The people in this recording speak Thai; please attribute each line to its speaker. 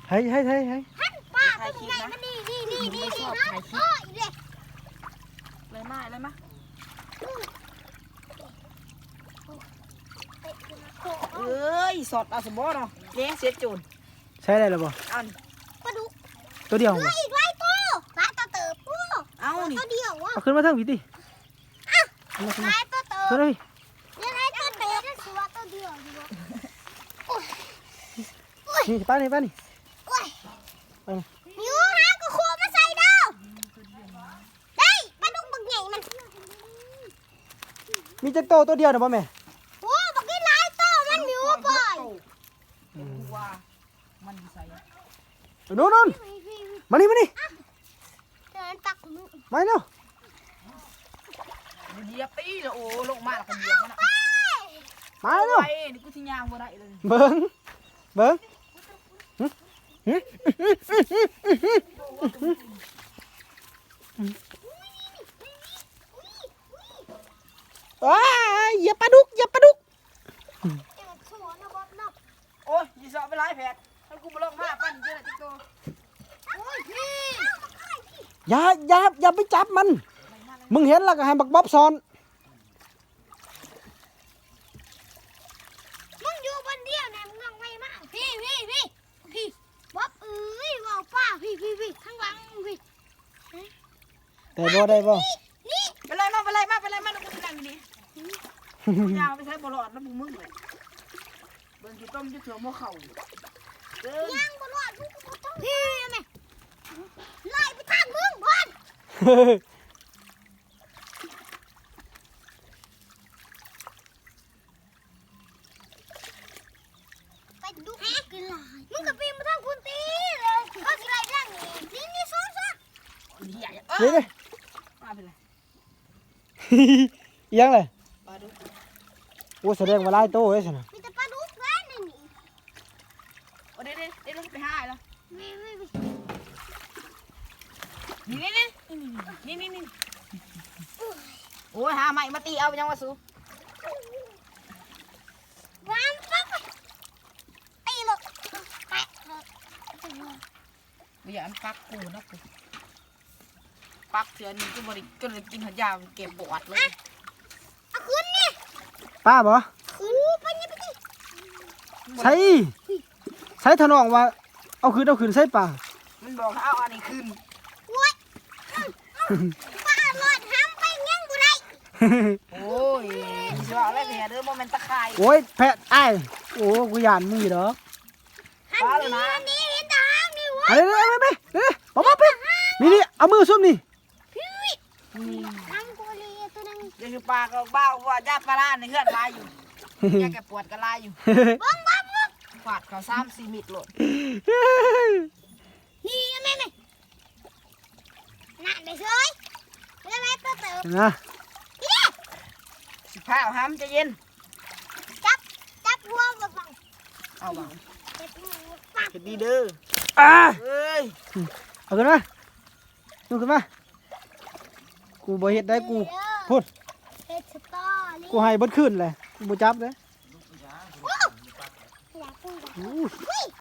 Speaker 1: เฮ้ย
Speaker 2: ป้าตัวใหญ่มันนี่
Speaker 3: ชอบถ่ายคลิป
Speaker 2: อีเด็ก
Speaker 3: เลยมาเลยมาเอ้ยสดเอาสมบูรณ์เนาะเลี้ยงเสียจูน
Speaker 1: ใช้ได้หรือบ่
Speaker 3: เอานี่
Speaker 2: ปลาดุก
Speaker 1: ตัวเดียวบ่
Speaker 2: อีกไรตัวหลายตัวเติบปู
Speaker 3: เอานี่
Speaker 2: ตัวเดียววะ
Speaker 1: เอาขึ้นมาเทิงพี่ติ
Speaker 2: หลายตัวเติบ
Speaker 1: ขึ้นเลย
Speaker 2: ยังไงตัวเติบสิว่าตัวเดียวดีวะ
Speaker 1: นี่ป้านี่ป้านี่
Speaker 2: โอ้ยยูหาก็โคมาใส่เด้อได้ปลาดุกบักใหญ่มัน
Speaker 1: มีจักโตตัวเดียวนะบ่แม่
Speaker 2: โอ้บักนี่หลายตัวมันมิวบ่อย
Speaker 3: ว่ามันใส่
Speaker 1: นู่นมานี่
Speaker 2: เดินตักมือ
Speaker 1: มาเร็ว
Speaker 3: เหยียบตีเลยโอ้ลงมาแล้วก็เหยียบมัน
Speaker 1: มาเร็ว
Speaker 3: ไปนี่กูทิ้งยางบ่ได้เลย
Speaker 1: เบิ้งว้าอย่าปลาดุก
Speaker 3: โอ้ยยีสอบไปไล่แผดถ้ากูมาลงมาปั้นเจอติ๊กโต
Speaker 1: อย่าไปจับมัน มึงเห็นแล้วก็ให้บักบ๊อบซ้อน
Speaker 2: มึงอยู่บนเดียวเนี่ยมึงลองไปมากพี่บ๊อบบอกป้าพี่ข้างหลังพี่
Speaker 1: แต่บ่ได้บ่
Speaker 2: นี่
Speaker 3: ไปไล่มาแล้วกูจะนั่งดีกูยางไปใช้บอลอดแล้วมึงเลยเบิ่งกี่ต้มจะเถื่อโมเข่าเดิน
Speaker 2: ย่างบนรถพี่แม่ไล่ไปทางมึงบอลไปดูกินลายมึงกับพี่มาทางคุณตีเลยก็กินลายร่างนี่ซ้อน
Speaker 3: ใหญ่
Speaker 1: นี่เลย
Speaker 3: มาเป็นไร
Speaker 1: ยังเลย
Speaker 3: ปลาดุก
Speaker 1: โอ้แสดงว่าหลายโตเด้สินะ
Speaker 2: มีแต่ปลาดุกแล้วนี่
Speaker 3: โอ้เดี๋ยวไปหาแล้ว
Speaker 2: นี่
Speaker 3: นี่โอ้ยหาใหม่มาตีเอายังวะสู
Speaker 2: วางปั๊บตีหลบแปะ
Speaker 3: ไม่อยากปักกูนะกูปักเถื่อนนี่กูบริจนกินหัวยาวเก็บปวดเลย
Speaker 2: เอาขึ้นนี่
Speaker 1: ป้าบ่
Speaker 2: ขึ้นไปนี่ไปดิ
Speaker 1: ใช้ถนองว่าเอาคืนใส่ป่า
Speaker 3: มันบอกเอาอันนี้ขึ้น
Speaker 2: โว้ยป้าหลอดห้ามไปยังบุไร
Speaker 3: โอ้ยสิว่าอะไรเนี่ยเด้อโมเมนตะไคร้
Speaker 1: โอ้ยแพะอ้ายโอ้กูยานมึงอยู่ดอก
Speaker 3: ฟ้าเลยนะ
Speaker 2: นี่เห็นแต่ห้ามนี่วะ
Speaker 1: เอาไปป๊อปนี่เอามือซุ่มนี่
Speaker 2: ห้ามกูเลยตัวนึง
Speaker 3: เดี๋ยวคือปลาก็บ้าว่าญาติปลาล่าในเฮือนลายอยู่แกแกปวดก็ลายอยู่ฝาดเขา3-4 มิตรโหลด
Speaker 2: นี่แม่น่ะได้เฉยแล้วแม่ตัวเติม
Speaker 1: นะ
Speaker 3: สิผ้าห้ามจะเย็น
Speaker 2: จับหัวบัง
Speaker 3: เอาบัง
Speaker 2: เจ็บมือปัก
Speaker 3: เฮ็ดดีเด้อ
Speaker 1: อ่า
Speaker 3: เอ้ย
Speaker 1: เอาขึ้นมาดูขึ้นมากูบ่เฮ็ดได้กูพูด
Speaker 2: เฮ็ดสตอรี่
Speaker 1: กูให้เบิดคืนเลยกูบ่จับเลย
Speaker 2: อยากกูอยาก